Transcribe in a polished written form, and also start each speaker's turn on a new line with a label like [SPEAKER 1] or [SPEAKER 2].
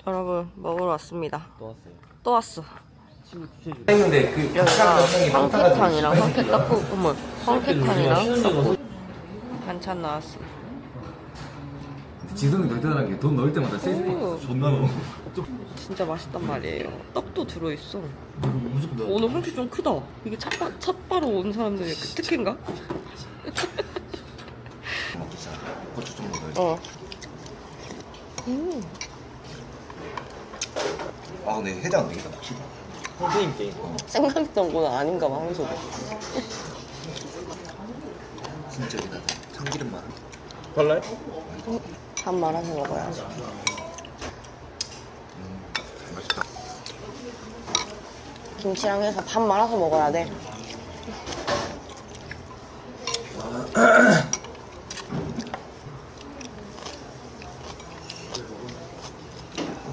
[SPEAKER 1] 여러분 먹으러 왔습니다.
[SPEAKER 2] 또 왔어요.
[SPEAKER 1] 또 왔어.
[SPEAKER 2] 했는데 그
[SPEAKER 1] 여기가 황태탕이랑 황태 떡국, 어머, 황태탕이랑 떡국 반찬 나왔어.
[SPEAKER 3] 지성이 더 대단한 게 돈 넣을 때마다 세이프 존나 넣어.
[SPEAKER 1] 진짜 맛있단 말이에요. 떡도 들어있어.
[SPEAKER 3] 무조건
[SPEAKER 1] 오늘 황태 좀 크다. 이게 첫 바로 온 사람들의 그 특혜인가?
[SPEAKER 3] 먹자. 고추 좀 넣어야
[SPEAKER 1] 어.
[SPEAKER 3] 아 근데 해장 안 되겠다 확실히.
[SPEAKER 2] 선생님 게임.
[SPEAKER 1] 생각했던 건 아닌가 봐, 황소도.
[SPEAKER 3] 진짜 여기다 참기름 많아.
[SPEAKER 2] 발라요?
[SPEAKER 1] 밥 말아서 먹어야지.
[SPEAKER 3] 맛있다.
[SPEAKER 1] 김치랑 해서 밥 말아서 먹어야 돼.